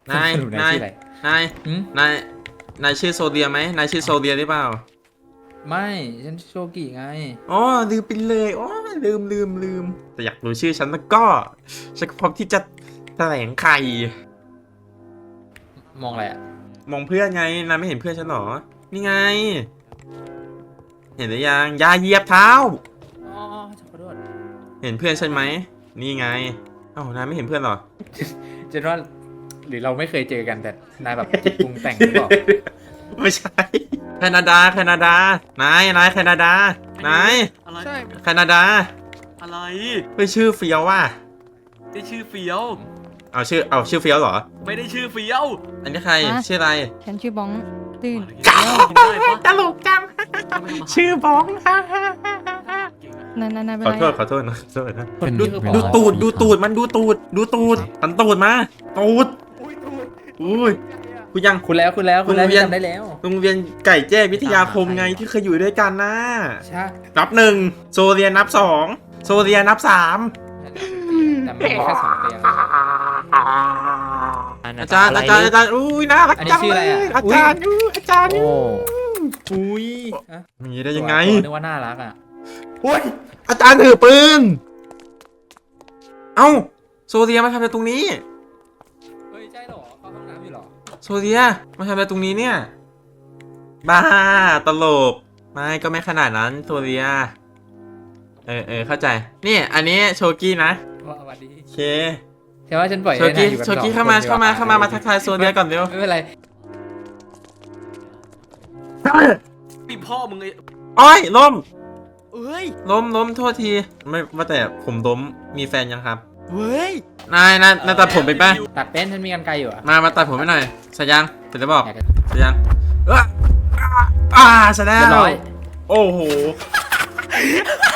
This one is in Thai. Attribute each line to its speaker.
Speaker 1: นาย
Speaker 2: สรุป
Speaker 1: นาย
Speaker 2: ชื่ออะไร
Speaker 1: นาย
Speaker 2: หืม
Speaker 1: นายชื่อโซเดียไหมนายชื่อโซเดียหรือเปล่า
Speaker 2: ไม่ฉันโชกิไง
Speaker 1: อ๋อลืมไปเลยอ๋อลืมแต่อยากรู้ชื่อฉันแล้วก็ฉันก็พร้อมที่จะแถลงไข่
Speaker 2: มองอะไรอ่ะ
Speaker 1: มองเพื่อนไงนายไม่เห็นเพื่อนฉันหรอนี่ไง เห็นหรือยังอย่าเหยียบเท้า
Speaker 2: อ๋อขอโทษ
Speaker 1: เห็นเพื่อนฉันไหมนี่ไงเอ้านายไม่เห็นเพื่อนหรอ
Speaker 2: ฉันว่าหรือเราไม่เคยเจอกันแต่นายแบบจิตปรุงแต่งหรือเปล่า
Speaker 1: ไม่ใช่แคนาดานายแคนาดานาย
Speaker 3: อะไร
Speaker 2: ใช่
Speaker 1: แคนาดา
Speaker 3: อะไร
Speaker 1: ไม่ชื่อเฟียวว่ะ
Speaker 3: ได้ชื่อเฟี้ยว
Speaker 1: เอาชื่อเฟียวเหรอ
Speaker 3: ไม่ได้ชื่อเฟี้ยว
Speaker 1: อันนี้ใคร
Speaker 4: ฮะ
Speaker 1: ชื่ออะไร
Speaker 4: ฉันชื่อบ้องตื่น
Speaker 3: กินได้ปะ
Speaker 1: ตลกจัง ชื่อบ้อง
Speaker 4: นายเป็น
Speaker 1: ขอ
Speaker 4: ไร
Speaker 1: โทษขอโทษนะขอโทษนะ
Speaker 2: เป็น
Speaker 1: ดู
Speaker 2: นี่คือ
Speaker 1: ดู
Speaker 2: ปอ
Speaker 1: ตูดมันดูตูดหันตูดมาตูดอุ้ยคุณยัง
Speaker 2: คุณแล้ว
Speaker 1: โรงเรียน
Speaker 2: จำได้แล้ว
Speaker 1: โรงเรียนไก่แจ้วิทยาคมไงที่เคยอยู่ด้วยกันนะ
Speaker 2: ใช่
Speaker 1: นับหนึ่งโซเรียนับสองโซเรียนับสาม
Speaker 2: แต่ไม่มีแค่2 เตียง
Speaker 1: อาจารย์อุ้ยน่ารัก
Speaker 2: อันนี้
Speaker 1: จัง
Speaker 2: ชื่อ
Speaker 1: เล
Speaker 2: อะไร
Speaker 1: ย
Speaker 2: อะ
Speaker 1: อาจารย์อาจารย์
Speaker 2: โอ้
Speaker 1: อุ้ย
Speaker 2: อะ
Speaker 1: มีได้ยังไง
Speaker 2: นึกว่าน่ารักอ่ะ
Speaker 1: โอ้ยอาจารย์ถือปืนเอ้าโซเรียมาทำอะไรตรงนี้
Speaker 2: เฮ้ยใช่เหรอเข้าห้องน้ำอยู่เหรอ
Speaker 1: โซเดียมาทำอะไรตรงนี้เนี่ยบ้าตลกไม่ก็ไม่ขนาดนั้นโซเดียเข้าใจนี่อันนี้โชกี้นะ
Speaker 2: ว่าสวัสดี
Speaker 1: โอเค
Speaker 2: ใช่ว่าฉันปล่อย
Speaker 1: โชกี้
Speaker 2: ให้นยอยู่กัน
Speaker 1: โชกี้
Speaker 2: สอง
Speaker 1: เข้ามา
Speaker 2: คนดีก
Speaker 1: มาทักทายโซเดียก่อนเร็ว
Speaker 2: ไม่เป็นไร
Speaker 3: พี่พ่อมึงไอ้
Speaker 1: อ้อยล้ม
Speaker 3: เอ้ย
Speaker 1: ล้มโทษทีไม่ว่าแต่ผมล้มมีแฟนยังครับ
Speaker 3: เฮ้ย
Speaker 1: นายตัดผมเป็นป่ะ
Speaker 2: ตัดเป็นฉันมีกันไกลอยู่อ่ะ
Speaker 1: มาตัดผมให้หน่อยใส่ยังเสร็จแล้วบอก
Speaker 2: อยากจะ
Speaker 1: ใส่ยังเสร็จแล้
Speaker 2: เรียบร้
Speaker 1: ว
Speaker 2: อย
Speaker 1: โอ้โห